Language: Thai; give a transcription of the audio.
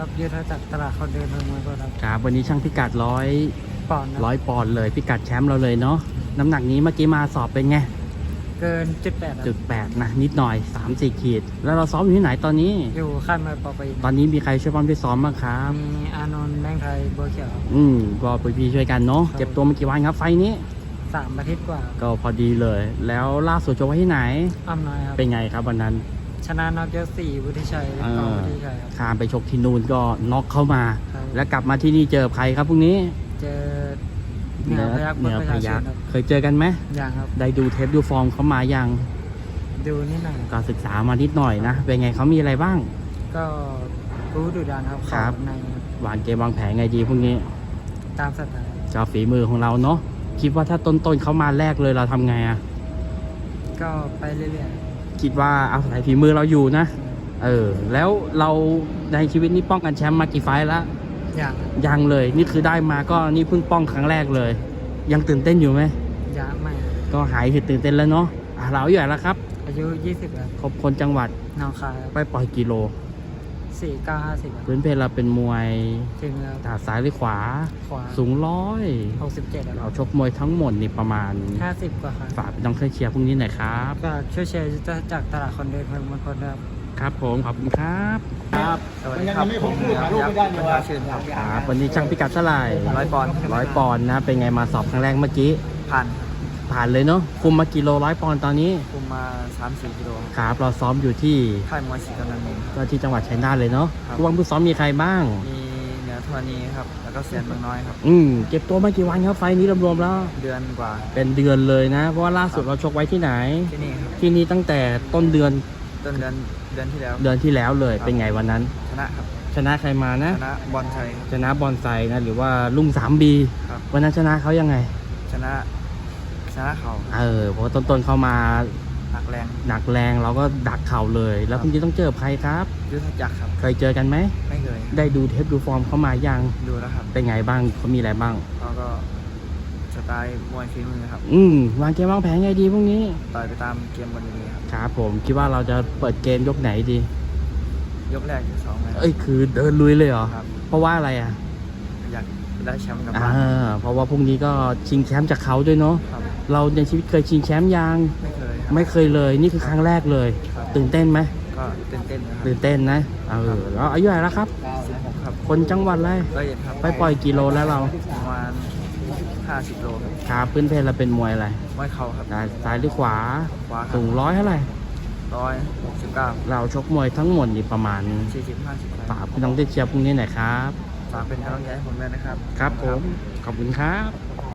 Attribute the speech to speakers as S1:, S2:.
S1: ครับยุทธจักรตลาดคนเดินเมืองมวยครับ
S2: ครับวันนี้ช่างพิกัด
S1: ปอนด์ครับ
S2: 100 ปอนด์เลยพิกัดแชมป์เราเลยเนาะน้ำหนักนี้เมื่อกี้มาสอบเป็นไง
S1: เกินจุด 8
S2: จุด8นะนิดหน่อย 3-4 ขีด แล้วเราซ้อมอยู่ที่ไหนตอนนี้
S1: อยู่ค่ายมวยปอปี
S2: ตอนนี้มีใครช่วยป้อมช่วยซ้อมบ้างครับ
S1: มีอานนท์แบงค์ไทยบัวเขียว
S2: ก็พี่ช่วยกันเนาะเก็บตัวมากี่วันครับไฟนี้
S1: 3 อาทิตย์กว่า
S2: ก็พอดีเลยแล้วล่าสุดชกไว้ที่ไหน
S1: อ้ำน้อยครับ
S2: เป็นไงครับวันนั้น
S1: ชนะน็อกยก4วุฒิชัยวุฒิชัยครับ
S2: ข้ามไปชกที่นู่นก็น็อกเข้ามา แล้วกลับมาที่นี่เจอใครครับพรุ่งนี้
S1: เจอเหนือพยัคฆ์
S2: เคยเจอกันไหม
S1: ยังครับ
S2: ได้ดูเทปดูฟอร์มเขามายัง
S1: ดูนิดหน่อย
S2: ก็ศึกษามานิดหน่อยนะเป็นไงเขามีอะไรบ้าง
S1: ก็รู้ดุดันครับใน
S2: วางเกมวางแผนไงดีพวกนี้
S1: ตามสไตล์
S2: จะฝีมือของเราเนาะคิดว่าถ้าต้นเขามาแรกเลยเราทำไงอ่ะ
S1: ก็ไปเรื่อย
S2: ๆคิดว่าเอาใส่ฝีมือเราอยู่นะแล้วเราในชีวิตนี้ป้องกันแชมป์มากี่ไฟล์แล้วยังเลยนี่คือได้มาก็นี่เพิ่งป้องครั้งแรกเลยยังตื่นเต้นอยู่ไหม
S1: ยังไม่
S2: ก็หายตื่นเต้นแล้วเนาะเราอายุเท่าไหร่แล้วครับ
S1: อายุ20ครับ
S2: ครบคนจังหวัด
S1: หนองคาย
S2: ไปปล่อยกิโล
S1: 4950
S2: พื้นเพเราเป็นมวย
S1: ถึง
S2: ถาซ้ายหรือขวาสูง
S1: 167
S2: เราชกมวยทั้งหมดนี่ประมาณ
S1: 50กว่าครับ
S2: ฝากน้องเชียร์พรุ่งนี้หน่อยครับ
S1: ก็ช่วยเชียร์จากตลาดคนเดินเมืองมณฑลครับ
S2: ครับผมขอบคุณครับ
S1: สวัสดีครับผมประชาชื่น
S2: ครับวันนี้ช่างพิกัดเท่าไหร่
S1: 100 ปอนด์
S2: 100 ปอนด์นะเป็นไงมาสอบครั้งแรกเมื่อกี้ผ่านเลยเนาะคุมมากิโล100 ปอนด์ตอนนี้
S1: คุมมา 3-4 กิโล
S2: ครับเราซ้อมอยู่ที่
S1: ค่ายมวยศรีกำนันเอง
S2: ก็ที่จังหวัดชัยนาทเลยเนาะผู้บังคับซ้อมมีใครบ้าง
S1: มีเหนือธรณีครับแล้วก็เซียนบางน้อยครับ
S2: เก็บตัวมากี่วันครับไฟนี้รวมๆแล้ว
S1: เดือนกว่า
S2: เป็นเดือนเลยนะเพราะว่าล่าสุดเราชกไว้ที่ไหน
S1: ที่นี่ครับ
S2: ที่นี่ตั้งแต่ต้นเดือน
S1: ที่แล้ว
S2: เลยเป็นไงวันนั้น
S1: ชนะครับ
S2: ชนะใครมานะ
S1: ชนะบอลไทย
S2: ชนะบอลไซนะหรือว่าลุง3Bวันนั้นชนะเขายังไง
S1: ชนะเขา
S2: เพราะต้นเข้ามา
S1: หนักแ
S2: รงเราก็ดักเข่าเลยแล้วคุณจะต้องเจอใครครับ
S1: ยุทธจักรครับ
S2: เคยเจอกันไหม
S1: ไม่เคย
S2: ได้ดูเทปดูฟอร์มเขามายัง
S1: ดูแล้วครับ
S2: เป็นไงบ้างเขามีอะไรบ้าง
S1: เขาก็สไตล์มวยฝีมือครับ
S2: วางเกมวางแผนไงดีพวกนี้
S1: ต่อยไปตามเกมบนนี้
S2: ครับผมคิดว่าเราจะเปิดเกมยกไหนดี
S1: ยกแรกยก2ไหม
S2: คือเดินลุยเลยเหรอเพราะว่าอะไรอ่ะ
S1: อยากได้แชมป์กลับบ้าน
S2: เพราะว่าพรุ่งนี้ก็ชิงแชมป์จากเขาด้วยเนาะเราในชีวิตเคยชิงแชมป์ยังไม่เคยเลยนี่คือครั้งแรกเลยตื่นเต้นไหม
S1: ก็ตื่นเ
S2: ต้นนะแล้วอายุเท่าไหร่แล้วครับ
S1: 16ครับ
S2: คนจังหวัดอะไรไปปล่อยกิโลแล้วเรา
S1: ประมาณ50 โล
S2: ครับพื้นเพเราเป็นมวยอะไร
S1: มวยเข่าครับ
S2: ซ้ายหรือขวาสูง100เท่าไหร่
S1: 169
S2: เราชกมวยทั้งหมดนี่ประมาณ
S1: 40-50
S2: ฝากพี่น้องได้เชียร์พรุ่งนี้หน่อยครับ
S1: ฝากเป็นกำลังใจให้ผมด้วยนะครับ
S2: ครับผมขอบคุณครับ